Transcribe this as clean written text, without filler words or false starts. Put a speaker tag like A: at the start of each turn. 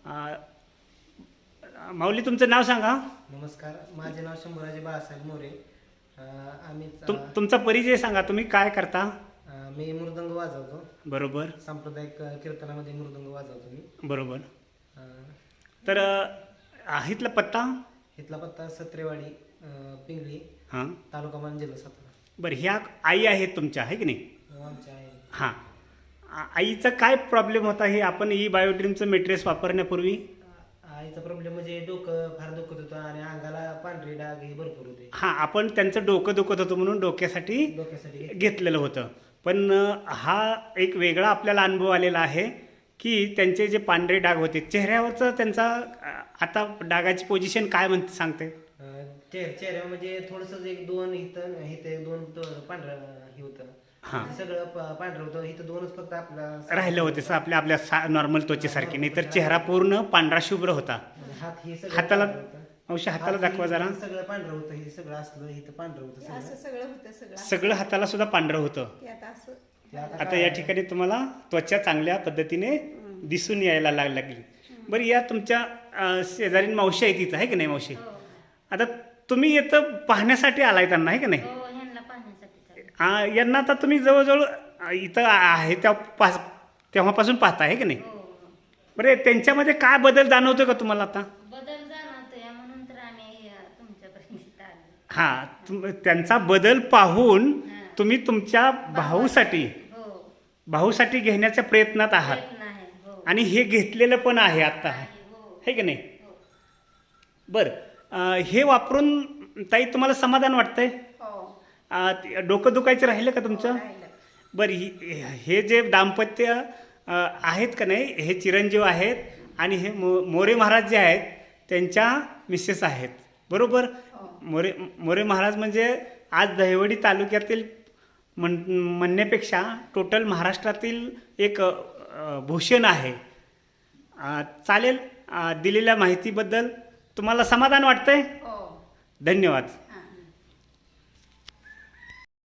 A: माऊली, तुमचं नाव सांगा.
B: नमस्कार, माझे नाव शंभूराजे बाळासाहेब मोरे. आम्ही
A: तुमचा परिचय सांगा, तुम्ही काय करता?
B: मी मृदंग वाजवतो.
A: बरोबर.
B: सांप्रदायिक कीर्तनामध्ये मृदंग वाजवतो मी.
A: बरोबर. तर इथला पत्ता?
B: इथला पत्ता सत्रेवाडी, पिंगळी,
A: हां,
B: तालुका मान, जिल्हा सातारा.
A: बरं. ह्या आई आहेत तुमच्या, आहे की नाही?
B: आमच्या आहे.
A: हां. आईचा काय प्रॉब्लेम होता हे आपण ई बायोड्रीमचं मेट्रेस वापरण्यापूर्वी?
B: आईचा प्रॉब्लेम म्हणजे डोकं फार दुखत होतं आणि अंगाला पांढरे डाग हे भरपूर होते.
A: हां, आपण त्यांचं डोकं दुखत होतं म्हणून डोक्यासाठी घेतलेलं होतं. पण हा एक वेगळा आपल्याला अनुभव आलेला आहे की त्यांचे जे पांढरे डाग होते चेहऱ्यावरचं, त्यांचा आता डागाची पोझिशन काय म्हणते सांगते?
B: चेहऱ्यावर म्हणजे थोडंसं एक दोन इथं एक दोन पांढरं हे होतं.
A: हां,
B: सगळं पांढरं होतं. इथं दोनच फक्त आपला
A: राहिलं होते आपल्या नॉर्मल त्वचेसारखे, नाही तर चेहरा पूर्ण पांढरा शुभ्र होता.
B: हात हे
A: हाताला अंशी हाताला दाखवा जरा.
B: सगळं पांढरं होतं. हे सगळं असलं इथं पांढरं होतं.
C: असं सगळं होतं.
A: सगळं हाताला सुद्धा पांढरं होतं. आता या ठिकाणी तुम्हाला त्वचा चांगल्या पद्धतीने दिसून यायला लागली. बरं, या तुमच्या शेजारीन मावशी आहे तिथं, आहे की नाही मावशी? आता तुम्ही येतं पाहण्यासाठी आलाय त्यांना, आहे की नाही? यांना आता तुम्ही जवळजवळ इथं आहे तेव्हापासून पाहता, आहे की नाही? बरं, त्यांच्यामध्ये काय बदल जाणवतो का तुम्हाला आता?
D: बदल जाणवतोय म्हणून तर आम्ही तुमच्यापर्यंत आलो.
A: हां, त्यांचा बदल पाहून तुम्ही तुमच्या भाऊसाठी घेण्याच्या प्रयत्नात आहात. आणि हे घेतलेलं पण आहे आता, आहे की नाही? बरं, हे वापरून ताई तुम्हाला समाधान वाटतंय? डोकं दुखायचं राहिलं का तुमचं? बरं, हे जे दाम्पत्य आहेत का नाही, हे चिरंजीव आहेत आणि हे मोरे महाराज जे आहेत त्यांच्या मिसेस आहेत, बरोबर? मोरे महाराज म्हणजे आज दहिवडी तालुक्यातील म्हणण्यापेक्षा टोटल महाराष्ट्रातील एक भूषण आहे. चालेल, दिलेल्या माहितीबद्दल तुम्हाला समाधान वाटतंय? धन्यवाद.